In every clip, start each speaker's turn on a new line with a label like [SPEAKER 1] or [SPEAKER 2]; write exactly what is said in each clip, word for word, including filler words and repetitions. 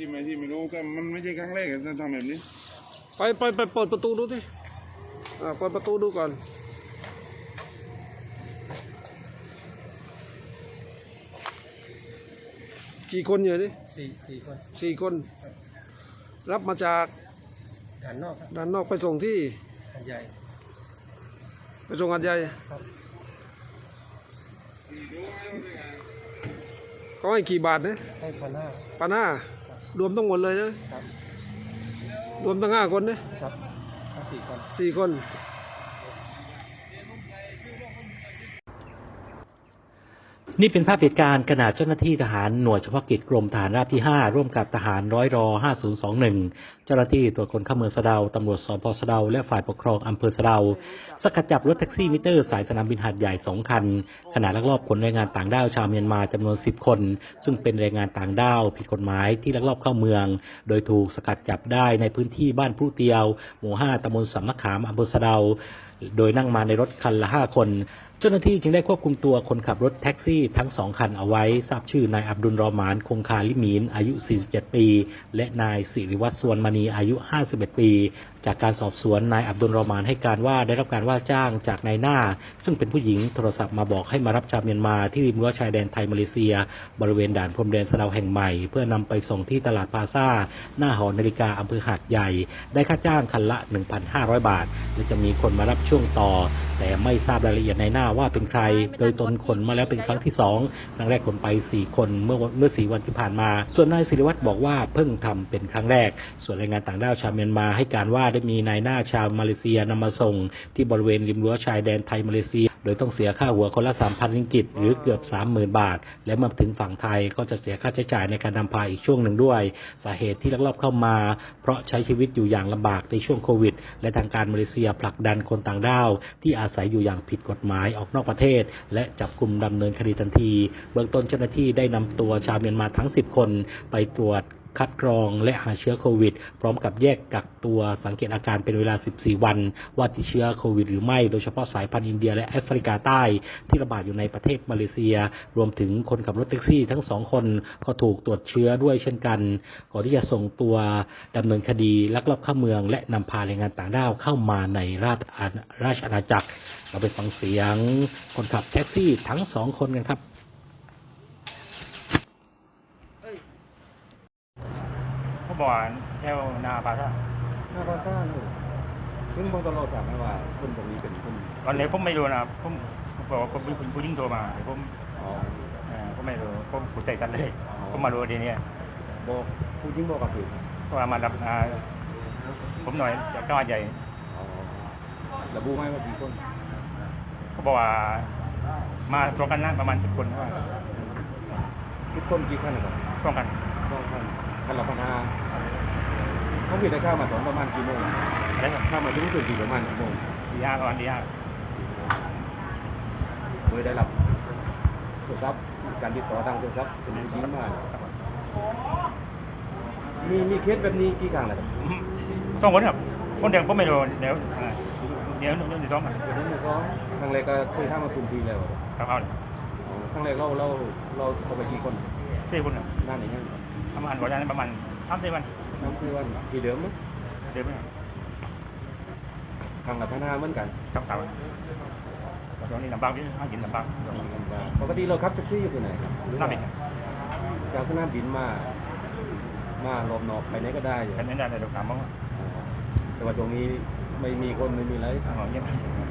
[SPEAKER 1] ที่ไม่ที่ไม่รู้ก็มันไม่ใช่ครั้งแรกที่ทำแบบนี้
[SPEAKER 2] ไปไปไปเปิดประตูดูดิอ่าเปิดประตูดูก่อนกี่คนอยู่นี่
[SPEAKER 3] สี่สี่คน
[SPEAKER 2] สี่คนรับมาจาก
[SPEAKER 3] ด้านนอก
[SPEAKER 2] ด้านนอกไปส่งที่
[SPEAKER 3] หาดใหญ่
[SPEAKER 2] ไปส่งหาดใหญ่เขาให้กี่บาทเนี่ย
[SPEAKER 3] ให้พันห้า
[SPEAKER 2] พันห้ารวมทั้งหมดเลยนะครับรวมทั้งห้าคนเนี่ย
[SPEAKER 3] ครับสี่คน
[SPEAKER 2] สี่คน
[SPEAKER 4] นี่เป็นภาพเหตุการณ์ขณะเจ้าหน้าที่ทหารหน่วยเฉพาะกิจกรมทหารราบที่ห้าร่วมกับทหารร้อยรอห้าศูนย์สองหนึ่งเจ้าหน้าที่ตรวจคนเข้าเมืองสะเดาตำรวจสพสะเดาและฝ่ายปกครองอำเภอสะเดาสกัดจับรถแท็กซี่มิเตอร์สายสนามบินหาดใหญ่สองคันขณะลักลอบขนแรงงานต่างด้าวชาวเมียนมาจำนวนสิบคนซึ่งเป็นแรงงานต่างด้าวผิดกฎหมายที่ลักลอบเข้าเมืองโดยถูกสกัดจับได้ในพื้นที่บ้านพลุเตียวหมู่ห้าตำบลสำนักขามอำเภอสะเดาโดยนั่งมาในรถคันละห้าคนเจ้าหน้าที่จึงได้ควบคุมตัวคนขับรถแท็กซี่ทั้งสองคันเอาไว้ทราบชื่อนายอับดุลรอหมานคงคาลิมีนอายุสี่สิบเจ็ดปีและนายสิริวัฒน์สวนมณีอายุห้าสิบเอ็ดปีจากการสอบสวนนายอับดุลรอหมานให้การว่าได้รับการว่าจ้างจากนายหน้าซึ่งเป็นผู้หญิงโทรศัพท์มาบอกให้มารับชาวเมียนมาที่ริมรั้วชายแดนไทยมาเลเซียบริเวณด่านพรมแดนสะเดาแห่งใหม่เพื่อนำไปส่งที่ตลาดพาซ่าหน้าหอนาฬิกาอำเภอหาดใหญ่ได้ค่าจ้างคันละ หนึ่งพันห้าร้อย บาทและจะมีคนมารับช่วงต่อแต่ไม่ทราบรายละเอียดนายหน้าว่าเป็นใครโดยตนขนมาแล้วเป็นครั้งที่สองครั้งแรกขนไปสี่คนเมื่อเมื่อสี่วันที่ผ่านมาส่วนนายศิริวัฒน์บอกว่าเพิ่งทำเป็นครั้งแรกส่วนแรงงานต่างด้าวชาวเมียนมาให้การว่าได้มีนายหน้าชาวมาเลเซียนำมาส่งที่บริเวณริมรั้วชายแดนไทยมาเลเซียโดยต้องเสียค่าหัวคนละ สามพัน ริงกิตหรือเกือบ สามหมื่น บาทและเมื่อถึงฝั่งไทยก็จะเสียค่าใช้จ่ายในการนำพาอีกช่วงหนึ่งด้วยสาเหตุที่ลักลอบเข้ามาเพราะใช้ชีวิตอยู่อย่างลำบากในช่วงโควิดและทางการมาเลเซียผลักดันคนต่างด้าวที่อาศัยอยู่อย่างผิดกฎหมายออกนอกประเทศและจับกุมดำเนินคดีทันทีเบื้องต้นเจ้าหน้าที่ได้นำตัวชาวเมียนมาทั้งสิบคนไปตรวจคัดกรองและหาเชื้อโควิดพร้อมกับแยกกักตัวสังเกตอาการเป็นเวลาสิบสี่วันว่าติดเชื้อโควิดหรือไม่โดยเฉพาะสายพันธุ์อินเดียและแอฟริกาใต้ที่ระบาดอยู่ในประเทศมาเลเซียรวมถึงคนขับรถแท็กซี่ทั้งสองคนก็ถูกตรวจเชื้อด้วยเช่นกันก่อนที่จะส่งตัวดำเนินคดีลักลอบเข้าเมืองและนำพาแรงงานต่างด้าวเข้ามาในราชราชอาณาจักรเราไปฟังเสียงคนขับแท็กซี่ทั้งสองคนกันครับ
[SPEAKER 5] เขาบอกแถวนาปาซ่า
[SPEAKER 3] หน้าปาซ่าเลยซึ่งบางตลอดจากไม่ว่าคนตรงนี้เป็นคน
[SPEAKER 5] ตอนนี้ผมไม่รู้นะผมบอกว่าผมเป็นผู้หญิงโทรมาผม
[SPEAKER 3] อ๋อ
[SPEAKER 5] ผมไม่รู้ผมผู้ใจกันเลยผมมารู้ทีนี้
[SPEAKER 3] บอกผู้หญิงบอกกับผิด
[SPEAKER 5] เพราะว่ามารับผมหน่อยจากจังหวัดใหญ่
[SPEAKER 3] ระบุไหมว่ากี่คน
[SPEAKER 5] เขาบอกว่ามาตรงกันนั่งประมาณสิบคนว่า
[SPEAKER 3] ทุกคนกี่ขั้นนะครับ
[SPEAKER 5] ตรงกัน
[SPEAKER 3] ตรงกันขั้นละพันห้าเขาผิดได้ข้าวมาตอนประมาณกี่โมง
[SPEAKER 5] อะไรครับ
[SPEAKER 3] ข้าวมาถึงถึงกี่ประมาณกี่โมง
[SPEAKER 5] ดีห้าประมาณดีห้า
[SPEAKER 3] โดยได้รับโทรศัพท์การติดต่อทางโทรศัพท์เป็นผู้หญิงมากมีมีเคสแบบนี้กี่ครั้งแล้วครับ
[SPEAKER 5] สองคนครับคนเดียวผมไม่รู้เดี๋ยวเดี๋ยวเดี๋ยวสองกัน
[SPEAKER 3] เดี๋ยวนี้สองครั้งแรกก็เคยทำมาคุณทีแล้ว
[SPEAKER 5] ครับเอา
[SPEAKER 3] ครั้งแรกเราเราเราเข้าไปกี่คน
[SPEAKER 5] สี่คนครับ
[SPEAKER 3] นานไหนยัง
[SPEAKER 5] ประมาณวันนั้นประมาณสามสี่วัน
[SPEAKER 3] สามสี่วันกี่เดิมมั้ย
[SPEAKER 5] เดิมไหม
[SPEAKER 3] ครั้งละพันห้าเหมือนกัน
[SPEAKER 5] ครับครับตอนนี้ลำบากที่ห้ากินลำบาก
[SPEAKER 3] ปกติเราขับแท็กซี่อยู่ที่ไหนครับ
[SPEAKER 5] สนามบิน
[SPEAKER 3] จากสนามบินมามาลมนอกไปไหนก็ได้
[SPEAKER 5] ไปไหนได้เราถามบ้าง
[SPEAKER 3] แต่ว่าตรงนี้ไม่มีคนไม่มีอะไร
[SPEAKER 5] อ๋อเยี่ยม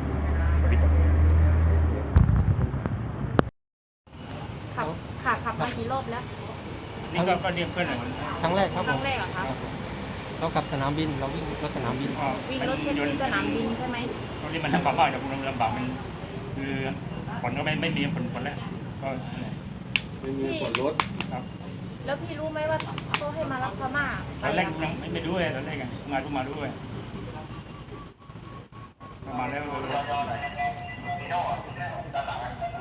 [SPEAKER 6] ขับขับขับมากี่รอบแล้ว
[SPEAKER 5] นี่ก็เรียกเพื่อนหน่อย
[SPEAKER 3] ครั้งแรกครับ
[SPEAKER 6] ครั้งแรกเหรอคะ
[SPEAKER 3] เราขับสนามบินเราวิ่งรถสนามบิน
[SPEAKER 6] วิ่งรถแท็กซี่สนามบินใช่ไหม
[SPEAKER 5] ตอนนี้มันลำบากมากนะคุณลำบากมันคือฝนก็ไม่ไม่มีฝนฝนแล้วก็
[SPEAKER 3] ไม่มีฝนรถ
[SPEAKER 5] ครับ
[SPEAKER 6] แล้วพี่รู้ไหมว่าเขาให้มารับพม่า
[SPEAKER 5] ตอนแรกยังไม่ไม่ด้วยตอนแรกไงงานก็มาด้วยมาแล้ว